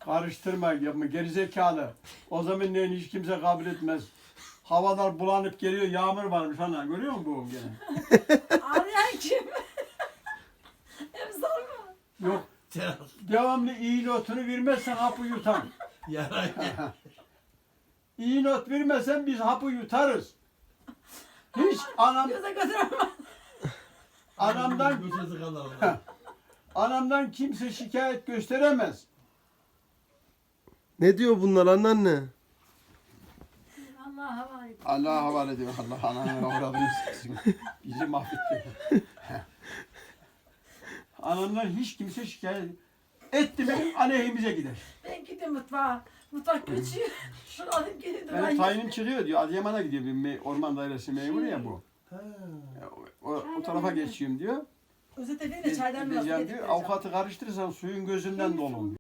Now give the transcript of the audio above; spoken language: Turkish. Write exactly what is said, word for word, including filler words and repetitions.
Karıştırma yapma gerizekalı. O zaman ne hiç kimse kabul etmez. Havalar bulanıp geliyor, yağmur varmış ana. Görüyor musun bu gene? Ağlayan kim? Hep sorma. Yok. Devamlı iyi notunu vermezsen hapı yutar. Yarayı. İyi not vermezsen biz hapı yutarız. Hiç anam Göze götüremem. anamdan Götürdü kadar. anamdan kimse şikayet gösteremez. Ne diyor bunlar anneanne? Allah'a havale. Allah'a havale ediyor. Allah ananı avradını siksin. Bizi mahvetti. Anamdan hiç kimse şikayet etti mi aleyhimize gider. Ben gideyim mutfağa. Mutfak geçiyor. Şunu alayım gelin de Yani ben tayinim çıkıyor diyor. Adıyaman'a gidiyor. Bir me- orman dairesi memuru ya bu. Ha. O, o, o tarafa geçeyim diyor. Özet edeyim de çaydan biraz Gideceğim diyor. getireceğim. Avukatı karıştırırsan suyun gözünden dolun.